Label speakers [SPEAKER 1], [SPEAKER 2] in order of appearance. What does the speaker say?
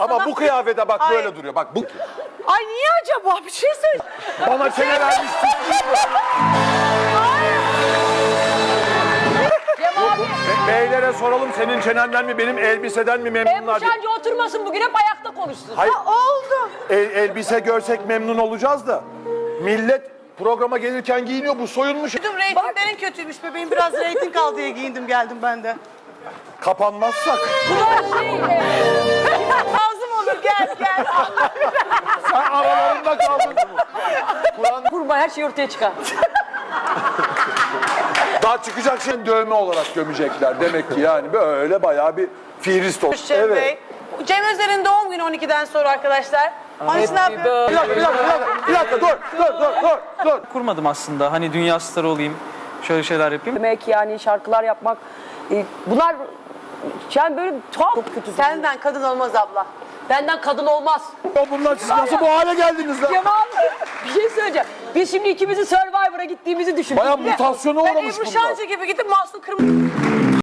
[SPEAKER 1] Ama bu kıyafete bak böyle duruyor. Bak bu.
[SPEAKER 2] Ay niye acaba? Bir şey söyle.
[SPEAKER 1] Bana çene vermiş.
[SPEAKER 3] Cem abi.
[SPEAKER 1] Beylere soralım senin çenenden mi benim elbiseden mi memnunlar diye.
[SPEAKER 3] Şence oturmasın bugün, hep ayakta konuşsun.
[SPEAKER 1] Hayır.
[SPEAKER 2] Oldu.
[SPEAKER 1] Elbise görsek memnun olacağız da. Millet programa gelirken giyiniyor, bu soyunmuş.
[SPEAKER 2] Reytinglerin kötüymüş bebeğim. Biraz reyting al diye giyindim geldim ben de.
[SPEAKER 1] Kapanmazsak.
[SPEAKER 3] Bu da şey...
[SPEAKER 2] Lazım olur gel gel.
[SPEAKER 1] Sen aralarında kaldın. Kur'an
[SPEAKER 3] Kurma, her şey ortaya çıkar.
[SPEAKER 1] daha çıkacak şey dövme olarak gömecekler. Demek ki yani böyle bayağı bir fihrist oldu.
[SPEAKER 2] Cem Bey. Cem Özer'in doğum günü 12'den sonra arkadaşlar. Onun için ne yapıyor?
[SPEAKER 1] Bir dakika dur.
[SPEAKER 4] Kurmadım aslında. Hani dünya starı olayım, şöyle şeyler yapayım.
[SPEAKER 3] Demek yani şarkılar yapmak... bunlar... Yani böyle tuhaf. Çok kötü.
[SPEAKER 2] Senden kadın olmaz abla.
[SPEAKER 3] Benden kadın olmaz.
[SPEAKER 1] Ya bunlar siz nasıl bu hale geldiniz lan?
[SPEAKER 3] Cem abi, bir şey söyleyeceğim. Biz şimdi ikimizin Survivor'a gittiğimizi düşün.
[SPEAKER 1] Bayağı mutasyona
[SPEAKER 2] Ben
[SPEAKER 1] uğramış
[SPEAKER 2] Ebru
[SPEAKER 1] bunlar.
[SPEAKER 2] Şancı gibi gidip Mahsun Kırmızı...